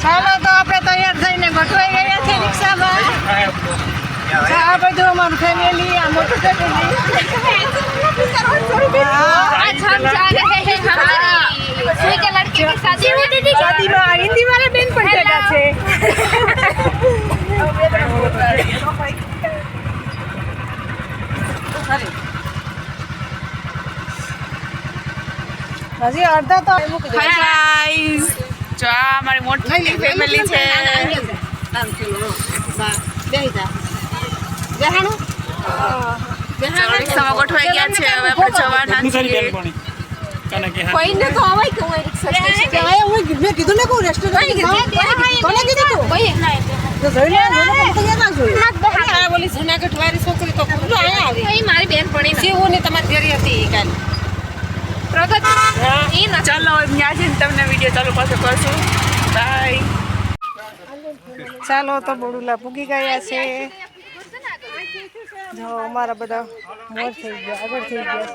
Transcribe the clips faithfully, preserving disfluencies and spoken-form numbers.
ચાલો તો આપણે તૈયાર થઈને ગોઠવાઈ ગયા છે રિક્ષામાં. આ બધું અમારું ફેમિલી, આ મોટું ફેમિલી. आज हम जा रहे हैं हमारी फूई के लड़के की शादी में दीदी શાદીમાં હિન્દી વાળા બેન પણ ભેગા છે. હજી અડધા તો ગાઈસ જો આ અમારી મોટી ફેમિલી છે. રિક્ષામાં ગોઠવાઈ ગયા છે. હવે આપણે જવાના છીએ. કોઈને તો આવાય કે હું રિક્ષા સ્ટેશન મેં કીધું ને કહું રેસ્ટોરન્ટ કોને કીધું તું? કોઈ તો જોઈ લે તૈયાર ના જોયું. આ બોલી જુનાગઢ વાળી છોકરી તો ખુલ્લું અહીંયા આવી એ મારી બેન પડી શિવું ને તમારી ઘેરી હતી કાલ પ્રગતિ ઈ ના ચાલો ત્યાં જઈને તમને વિડીયો ચાલુ પાછો કરશું. બાય. ચાલો તો બડુલા પૂગી ગયા છે. જો અમારા બધા મોર થઈ ગયા, આગળ થઈ ગયા.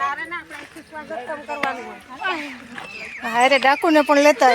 હારે ડાકુને પણ લેતા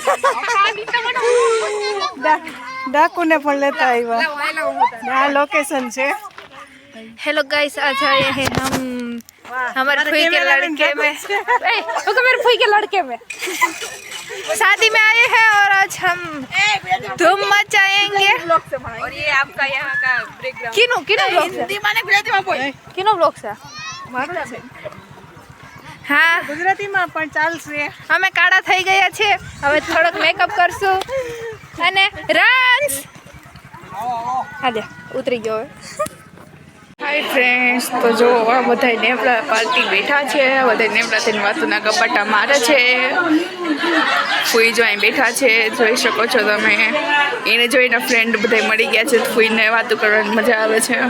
આવ્યા. ડાકુને પણ લેતા આવ્યા. આ લોકેશન છે. हेलो गाइस आज आए हैं हम हमारे फूई के लड़के में ओके मेरे फूई के लड़के में शादी में आए हैं और आज हम धूम मचाएंगे. और ये आपका यहाँ का बैकग्राउंड किनो किनो ब्लॉग हिंदी माने गुजराती में बोल. किनो ब्लॉग છે મારું છે હા ગુજરાતીમાં પણ ચાલશે. અમે કાળા થઈ ગયા છે. હવે થોડોક મેકઅપ કરશું અને રાન્સ હાલે ઉતરી ગયો હવે. હાય ફ્રેન્ડ્સ, તો જો આ બધા નેવડા પાર્ટી બેઠા છે. બધા નેવડા થઈને વાતુના કપાટા મારે છે. ફૂઈ જો અહીં બેઠા છે, જોઈ શકો છો તમે. એને જોઈને ફ્રેન્ડ બધા મળી ગયા છે. ફૂઈને વાતું કરવાની મજા આવે છે.